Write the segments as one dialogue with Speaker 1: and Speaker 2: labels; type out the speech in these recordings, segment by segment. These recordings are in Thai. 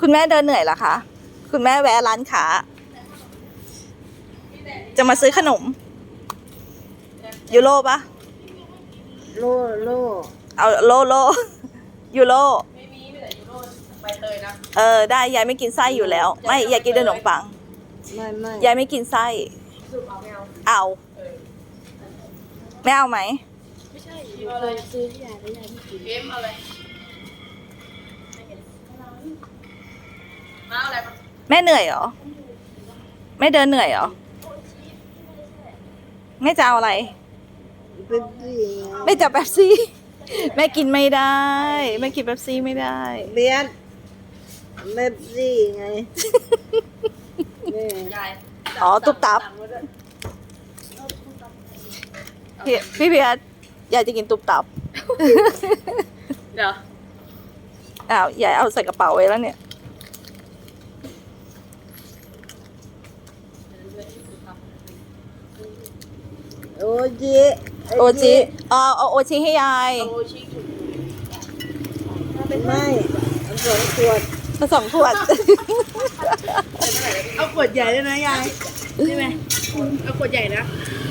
Speaker 1: คุณแม่เดินเหนื่อยเหรอคะคุณแม่แวะร้านค้าจะมาซื้อขนมยูโรปะ
Speaker 2: โลโล
Speaker 1: เอาโลยูโร
Speaker 3: ไม่มีแต่ยูโรใบเตยนะ
Speaker 1: ได้ยายไม่กินไส้อยู่แล้วไม่ยายกินแต่ขนมปัง
Speaker 2: ไม่
Speaker 1: ยายไม่กินไส้
Speaker 3: สูบเอาไม่เอา
Speaker 1: เอาไม่เอาไหม
Speaker 3: ไม่ใช่ยูอะไรซื้อให้ยายแล้วยายไม่กินเกมอะไรมาอะไรมา
Speaker 1: แม่เหนื่อยเหรอแม่เดินเหนื่อยเหรอแม่จะเอาอะไร
Speaker 2: เป็นสิ
Speaker 1: แม่จะเป๊ปซี่แม่กินไม่ได้แม่กินเป๊ปซี่ไม่ได้
Speaker 2: เบียดเบบซี่ไงนี่
Speaker 3: ยาย
Speaker 1: อ๋อตุ๊บตับพี่เพียรยายจะกินตุ๊บตับ
Speaker 3: เดี๋ยว
Speaker 1: อ้าวยายเอาใส่กระเป๋าไว้แล้วเนี่ย
Speaker 2: โอจิ
Speaker 1: โอจิเอาโอจิให้ยาย
Speaker 3: โอชิถูก
Speaker 2: ไม่เอา2 ขวด
Speaker 1: ผสมขวด
Speaker 3: เอาขวดใหญ่เลยนะยายใช่ไหมเอาขวดใหญ่นะ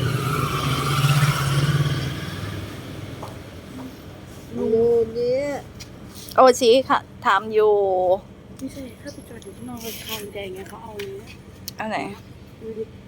Speaker 2: ดูดิ
Speaker 1: โอชิค่ะทำอยู่
Speaker 3: ไม่ใช่ถ้าไปจอดอยู่ข้างนอกเขาทางแดงเงี้ยเขาเอาเลยนะ
Speaker 1: เอาไหน
Speaker 3: ดูดิ